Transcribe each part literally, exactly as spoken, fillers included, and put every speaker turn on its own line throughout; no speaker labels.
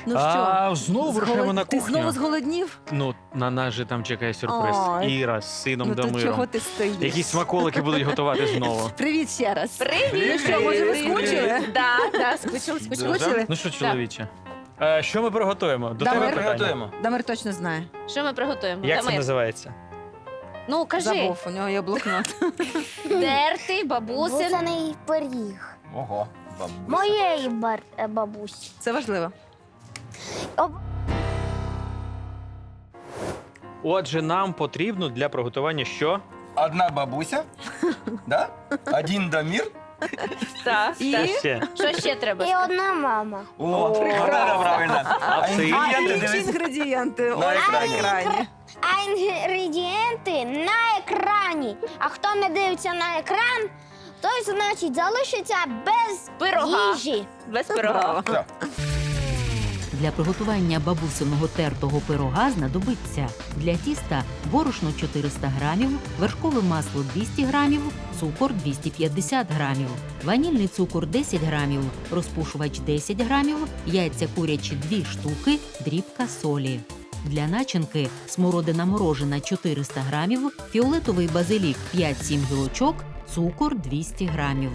Ну що,
А, знову рухаємо
зголод-
на
ти
кухню.
знову зголоднів?
Ну, на нас же там чекає сюрприз.
Ой.
Іра з сином
Ну то
Дамиром.
чого ти стоїш?
Якісь смаколики будуть готувати знову.
Привіт ще раз.
Привіт!
Ну що, може, ви
Привіт.
скучили?
Да, да, скучили, скучили.
Скучили?
Ну що, чоловіче? Е, що ми приготуємо? До
Дамир.
тебе питання.
Приготуємо.
Дамир точно знає.
Що ми приготуємо?
Як це
Дамир?
називається?
Ну, кажи.
Забув, у нього є блокнот.
Дертий, бабусин.
Бузаний пиріг.
Ого, бабуся.
Моєї бар... е, бабусі.
Це важливо.
Отже, нам потрібно для приготування що?
Одна бабуся, да? Один Дамир.
Так,
І?
так.
Ще.
Що ще треба?
І одна мама.
О, вот это правильно.
А це
А
інгредієнти,
інші
дивись.
інгредієнти
На
ось на
екрані.
екрані.
А інгредієнти на екрані. А хто не дивиться на екран, той, значить, залишиться без
Пирога.
їжі.
Без пирога.
Браво.
Так.
Для приготування бабусиного тертого пирога знадобиться для тіста борошно чотириста грамів, вершкове масло двісті грамів, цукор двісті п'ятдесят грамів, ванільний цукор десять грамів, розпушувач десять грамів, яйця курячі дві штуки, дрібка солі. Для начинки смородина морожена чотириста грамів, фіолетовий базилік п'ять-сім гілочок, цукор двісті грамів.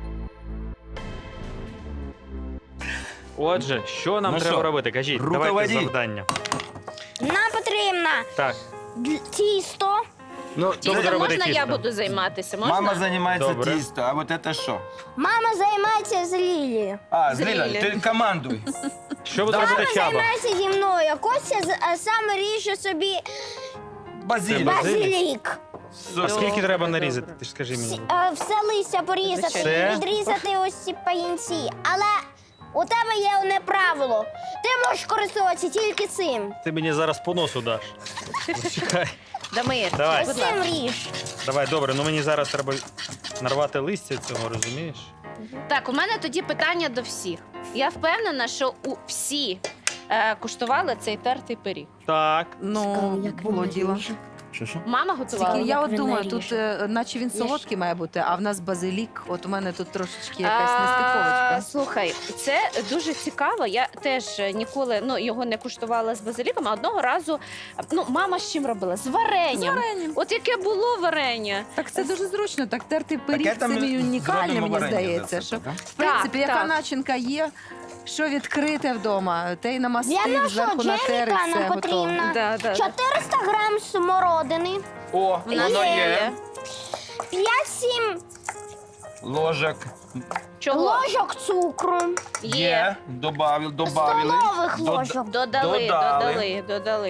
Отже, що нам
Ну
треба
що,
робити? Кажіть, давайте
руководи.
завдання.
Нам потрібно
Так,
д- тісто.
Ну,
Хто буде
Тісто
робити
можна я
тісто?
буду займатися? Можна?
мама займається
Добре.
тісто, а вот это що?
Мама займається з Лілією.
А,
З
Ліля,
Лілі.
ти командуй.
Що буде
Давай.
робити Чаба?
Займається зі мною. Костя з- а, сам ріже собі
Базилік.
Треба- Базилік?
базилік.
А скільки
Добре,
треба
добре.
нарізати? Ти ж скажи
Всі-
мені.
е, Все листя порізати
Все?
і відрізати ось ці паїнці. Але у тебе є одне правило. Ти можеш користуватися тільки цим.
Ти мені зараз по носу даш. Чекай.
Дамир,
Давай.
будь
Ось цим
ласка.
ріж.
Давай, добре, ну мені зараз треба нарвати листя цього, розумієш?
Так, у мене тоді питання до всіх. Я впевнена, що у всі е, куштували цей тертий пиріг.
Так.
Ну, було діло.
Що, що?
Мама готувала.
Тільки я
як
от
він
думаю,
наріже.
тут е, наче він солодкий має бути, а в нас базилік. От у мене тут трошечки якась нестиковочка.
А, Слухай, це дуже цікаво. Я теж ніколи ну, його не куштувала з базиліком, а одного разу ну, мама з чим робила? З варенням.
З варенням.
От яке було варення.
Так це дуже зручно. Так тертий пиріг,
Таке
це
там
мій унікальний,
зробимо
мені
варення
здається.
за це,
Що,
так?
в принципі,
Так,
яка
так.
начинка є, що відкрите вдома, те й
Для
намастив,
нашого
зверху натери,
джеміка
все
нам
готово.
потрібно
Да, да, да.
чотириста грам смородини,
О,
У нас
воно
є.
є.
п'ять-сім
Ложок.
Чого?
ложок цукру,
Є. Добавили, добавили.
столових
Дод-
ложок
Додали,
Додали.
додали, додали,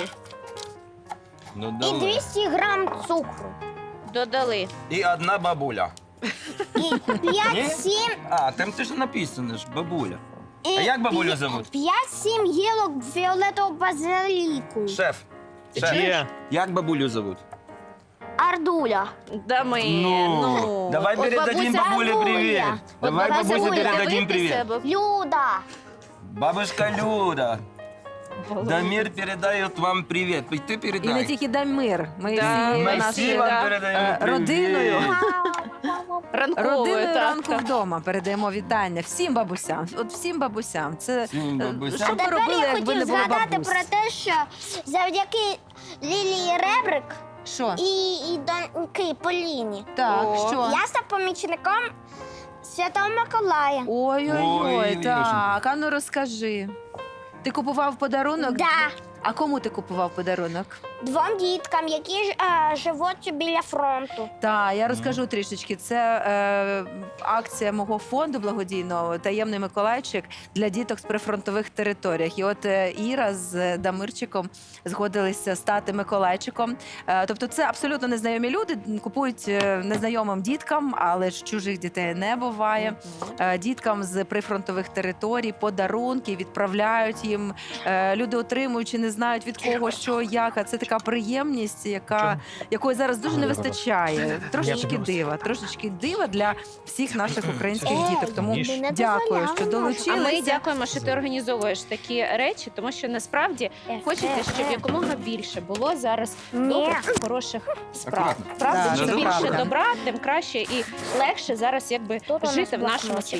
і
Додали.
двісті грам цукру.
додали.
І одна бабуля.
І п'ять-сім
А, там ти ж написано ж, бабуля.
і
А як бабулю
п'я-
зовуть?
п'ять-сім гілок фіолетового базиліку.
Шеф. Шеф.
Є.
Як бабулю зовуть?
Ардуля.
Дамир, ну.
Давай
От
передадим
бабуся
бабуле
Бабуля.
привет.
От
Давай
бабуся
бабусе
буде
передадим
дивитися,
привет.
бо-
Люда.
Бабушка Люда, Дамир передает вам привет. И ты
І
передай.
не тільки Дамир, ми
Да,
всією
Мы все
нашою
вам
да.
передаем
е,
привет.
родиною.
Ранковою,
Родиною
так,
ранку
так.
вдома передаємо вітання всім бабусям. От всім бабусям. Це
Всім
е,
бабусям.
що б ви
Тепер
робили,
я
якби не
хотів
було
згадати
бабусь?
про те, що завдяки Лілії Ребрик
Що?
і, і доньки Поліні
Так,
О.
що?
я став помічником Святого Миколая.
Ой-ой-ой,
Ой,
так, а ну розкажи. Ти купував подарунок?
Да,
А кому ти купував подарунок?
двом діткам, які ж, е, живуть біля фронту.
Так, я розкажу трішечки. Це е, акція мого фонду благодійного «Таємний Миколайчик» для діток з прифронтових територіях. І от е, Іра з Дамирчиком згодилися стати Миколайчиком. Е, тобто це абсолютно незнайомі люди, купують е, незнайомим діткам, але ж чужих дітей не буває. Е, Діткам з прифронтових територій подарунки відправляють їм. Е, Люди отримують чи не знають від кого, що, як. А це така приємність, яка, якої зараз дуже не вистачає. Трошечки дива, трошечки дива для всіх наших українських
Ей,
діток. Тому
ніж.
не
дякую,
дозволяла
що
наша.
долучилися.
А ми дякуємо, що ти організовуєш такі речі, тому що насправді хочеться, щоб якомога більше було зараз
Ні.
добрих, хороших справ.
Акуратно.
Правда,
Да,
чим
це
більше
правда.
добра, тим краще і легше зараз якби
Тут у нас
жити в нашому
блокнотик.
світі.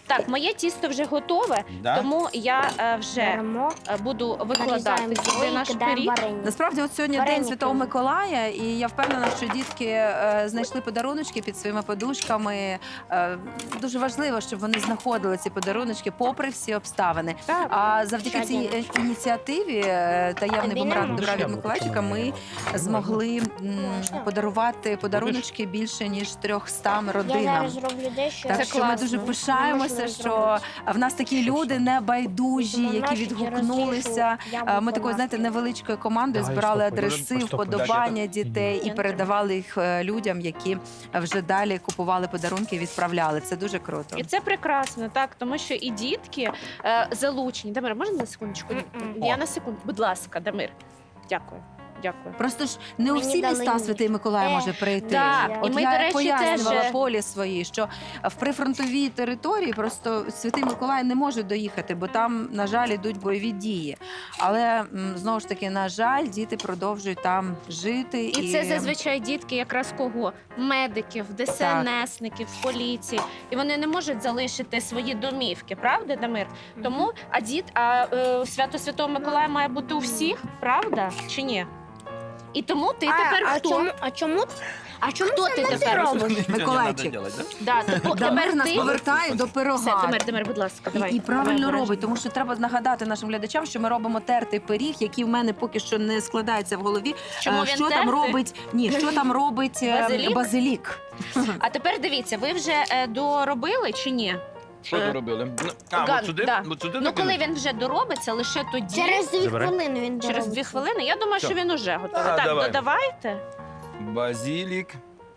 Так, моє тісто вже готове,
Да?
тому я е, вже
Беремо,
е, буду викладати
нарізаємо
сюди
слої,
наш
кидаємо
пиріг.
варення.
Насправді, от сьогодні
Вареники.
День Святого Миколая, і я впевнена, що дітки е, знайшли подаруночки під своїми подушками. Е, дуже важливо, щоб вони знаходили ці подаруночки попри всі обставини.
Так.
А завдяки
Ще
цій
один.
е, ініціативі е, таємний
Тобі
бумеранг
не
добра від
можна.
Миколайчика ми змогли м,
Можна.
подарувати подаруночки більше ніж трьохстам
Я
родинам.
зараз зроблю дещо.
Так
Це
що ми
класно.
дуже
Це
пишаємося,
можна
що
зробити.
в нас такі люди небайдужі,
Тому
які
наші
відгукнулися.
через
А, Ми
те, що
такою, знаєте,
яблуко
невеличкою командою
Давай,
збирали
стопай,
адреси,
стопай, стопай.
вподобання дітей і
Мгм.
передавали їх е, людям, які вже далі купували подарунки і відправляли. Це дуже круто.
І це прекрасно, так, тому що і дітки е, залучені. Дамир, можна на секундочку?
Мгм.
Я
О.
на секунду. Будь ласка, Дамир. Дякую. Дякую.
Просто ж не у
Мені
всі
дали
міста
ніж.
Святий Миколай
Е,
може прийти.
да.
От
І ми,
я
до речі,
пояснювала
теж-
полі свої, що в прифронтовій території просто Святий Миколай не може доїхати, бо там, на жаль, ідуть бойові дії. Але м, знову ж таки, на жаль, діти продовжують там жити. І,
І це зазвичай дітки якраз кого? Медиків, ДСНСників, поліції. І вони не можуть залишити свої домівки, правда, Дамир? Тому, а діт, а е, свято Святого Миколая має бути у всіх, правда? Чи ні? І тому ти тепер
а,
хто?
А чому, а чому, а чому
Хто
це
ти
не
тепер?
робиш?
Ничего не
Миколайчик.
надо делать, да?
Да, тепер
Дамир нас
ти.
повертає до пирога.
Все, Дамир, Дамир, будь ласка, давай.
І, і правильно
давай,
робить, тому що треба нагадати нашим глядачам, що ми робимо тертий пиріг, який в мене поки що не складається в голові.
Чому
Е,
він
що там
тертий?
робить? Ні, що там робить е,
Базилік?
базилік?
А тепер дивіться, ви вже е, доробили чи ні?
Що
Е,
ти робили? Ну, А,
Ган,
от сюди?
да.
От сюди
Ну, коли
накинути?
він вже доробиться, лише тоді,
Через дві
Забирай.
хвилини він
через
доробиться.
дві хвилини, я думаю,
Що?
що він уже готовий.
Ага,
Так,
давай.
додавайте.
Базилік.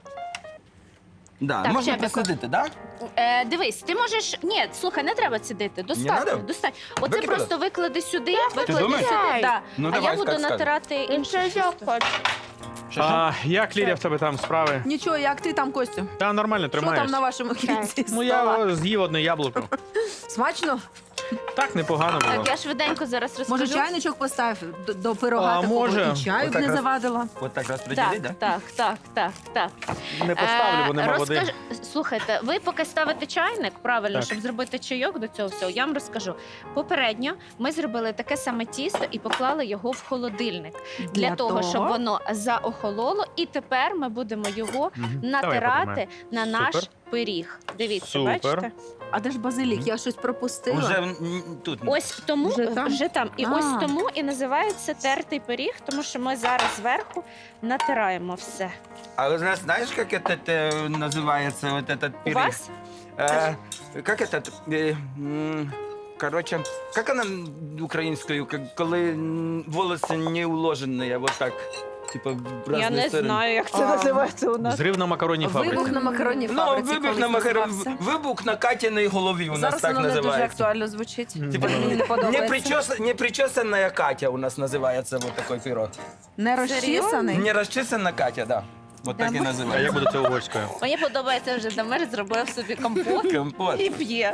Да,
Так,
можна
Чебіко.
посадити, да?
Е, дивись, ти можеш. Ні, слухай, не треба цідити. Достатньо.
надо?
достатньо. Оце
Викидати?
просто виклади сюди, виклади
думаєш?
сюди. Да.
Ну,
а
давай,
я буду
скажи, скажи.
натирати інше тісто.
Що, що?
А, як, Лілія, в тебе там справи?
Нічого, як ти там, Костю?
Та нормально
Що
тримаєш.
там на вашому кінці
Ну,
стола?
я о, з'їв одне яблуко.
Смачно?
Так, непогано було.
Так, я швиденько зараз розкажу.
Може, чайничок постав до, до пирога
А,
такого?
може.
І чаю б
Отак
не
раз.
завадила.
От так розподілити,
Так,
да?
так, так, так, так.
Не поставлю, бо
Е,
нема
розкаж-
води.
Слухайте, ви поки ставите чайник, правильно,
Так.
щоб зробити чайок до цього всього, я вам розкажу. Попередньо ми зробили таке саме тісто і поклали його в холодильник. Для, того, щоб воно заохололо, і тепер ми будемо його
Мгм. Давай я
натирати
подумаю.
на наш
Супер.
пиріг. Дивіться,
Супер.
бачите?
А де ж базилік? Я щось пропустила.
Уже м, тут.
Ось тому
Вже там?
вже там. І
А.
ось тому і називається тертий пиріг, тому що ми зараз зверху натираємо все.
А вы зна- знаешь, как этот э, называется, вот этот
У
пирог?
вас
Э, как этот, э, м, короче, как она украинскую, как, коли м, волосы не уложенные, вот так, типа в разные
я не
стороны.
знаю, як це
А.
називається у нас.
Зрив на макаронній
Вибух
фабриці.
на макаронній
Ну,
фабриці
вибух
колись
на, макар...
називався.
вибух на Катіній голові у нас
Зараз
так
воно не дуже
називається.
актуально звучить.
Мгм.
Типа,
Мені не
не,
подобається.
причес... не причесанная Катя у нас називається вот такой пирог.
Не розчісаний?
Не розчесана Катя, да. Вот так і
А
називається.
як буде це угорською?
Мені подобається вже Дамир зробив собі компот
Компот.
і п'є.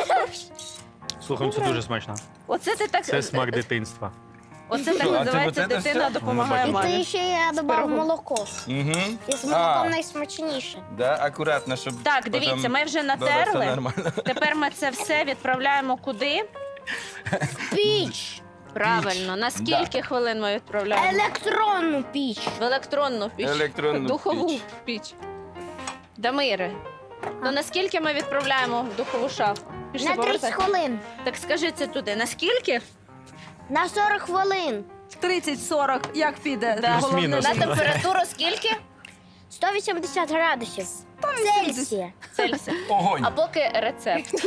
Слухай, ну це дуже смачно.
Оце ти так
Це смак дитинства.
Оце так
Що, а це
називається
оце
дитина
все?
допомагає
Ну,
І ти
мамі.
ще я додав
пирогом.
молоко.
Угу.
І з
А.
молоком найсмачніше.
Да, акуратно, щоб
Так,
потім
дивіться, ми вже
було все
натерли.
нормально.
Тепер ми це все відправляємо куди?
Піч.
Правильно. На скільки хвилин ми відправляємо?
Електронну піч.
В електронну піч.
Електронну
Духову
піч.
піч. Дамире, то наскільки ми відправляємо в духову шафу? Пішли
На тридцять
повертай.
хвилин.
Так скажи це туди. Наскільки?
На сорок хвилин.
тридцять сорок, як піде?
Да.
Головне,
Плюс-мінус.
На
щоб-
температуру скільки?
сто вісімдесят градусів. Цельсія.
Цельсія.
Огонь.
А поки рецепт.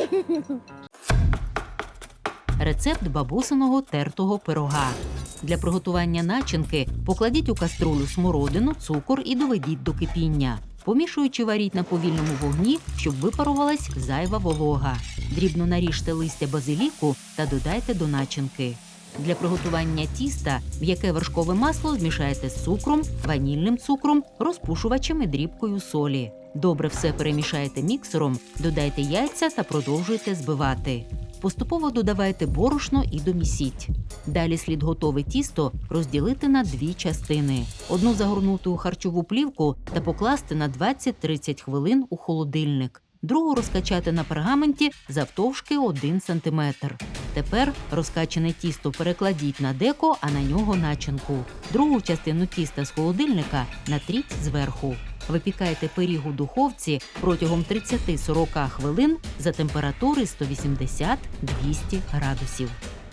Рецепт бабусиного тертого пирога. Для приготування начинки покладіть у каструлю смородину, цукор і доведіть до кипіння. Помішуючи, варіть на повільному вогні, щоб випарувалась зайва волога. Дрібно наріжте листя базиліку та додайте до начинки. Для приготування тіста м'яке вершкове масло змішайте з цукром, ванільним цукром, розпушувачем і дрібкою солі. Добре все перемішайте міксером, додайте яйця та продовжуйте збивати. Поступово додавайте борошно і домісіть. Далі слід готове тісто розділити на дві частини. Одну загорнути у харчову плівку та покласти на двадцять-тридцять хвилин у холодильник. другу розкачати на пергаменті завтовшки один сантиметр. Тепер розкачане тісто перекладіть на деко, а на нього начинку. Другу частину тіста з холодильника натріть зверху. Випікайте пиріг у духовці протягом тридцять-сорок хвилин за температури сто вісімдесят - двісті градусів.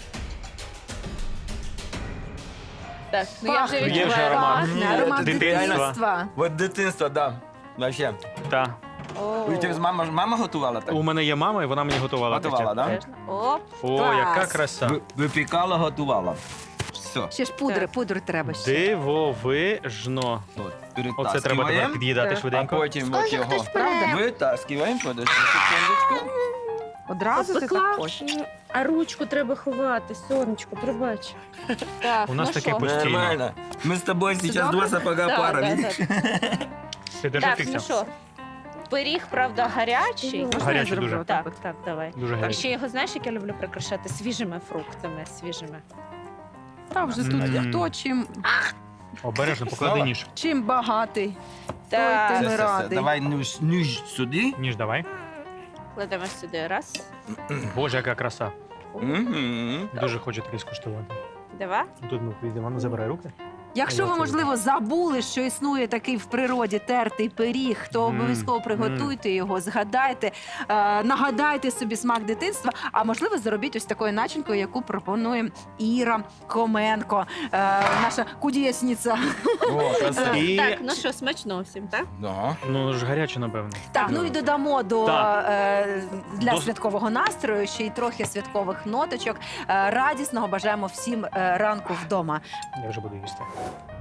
Так, ну я вже
Пахне.
Є вже
відчуваю
аромат.
пахне.
Ні,
Аромат
дитинства.
дитинства.
Вот дитинство, да. Вообще.
Та.
О,
У тебе мама, мама готувала так?
У мене є мама, і вона мені готувала.
Готувала,
таке.
да?
Теж. Оп.
О,
Клас.
яка краса.
Ви- Випікала, готувала. Все.
Ще ж пудри,
Так.
пудру треба ще.
Дивовижно.
От,
Оце треба тепер
перетаскиваємо,
під'їдати
Так.
а
швиденько.
потім от
Скажи,
його
хтось бере.
витаскиваємо. Подожди секундочку.
Одразу ти
Пекла.
так хочеш?
А ручку треба ховати, сонечко, пробач. Так,
У нас
ну
таке
що?
постійно.
Нормально. Ми з тобою зараз
добре?
два сапога
Да,
пара,
да,
видиш?
Ти держи
Так,
тихо.
ну що, пиріг, правда, гарячий.
Можна я
Гарячий
зроблю
дуже.
отак
Так,
от?
так, давай.
Дуже
А
гарячий.
ще його, знаєш, як я люблю прикрашати? Свіжими фруктами, свіжими.
Та вже тут
Мгм.
хто чим,
Обережно, поклади
Знову?
ніж.
чим багатий.
Так,
Той
Все,
ми
все, все.
радий.
Давай ніж, ніж сюди.
Ніж давай.
кладемо сюди. Раз,
Боже, яка краса.
Мгм.
Дуже хочу таке скуштувати.
два.
Тут ми прийдемо, ну забирай руки.
Якщо
А я
ви,
це
можливо, забули, що існує такий в природі тертий пиріг, то
Мм,
обов'язково приготуйте його, згадайте, е, нагадайте собі смак дитинства, а можливо, заробіть ось такою начинкою, яку пропонує Іра Хоменко, е, наша кудєсниця.
О, красиво.
І,
Так, ну що, смачно всім, так?
Да.
ну ж гаряче, напевно.
Так, ну і додамо до
Так.
е, для
До-
святкового настрою ще й трохи святкових ноточок. Е, радісного бажаємо всім е, ранку вдома.
Я вже буду їсти.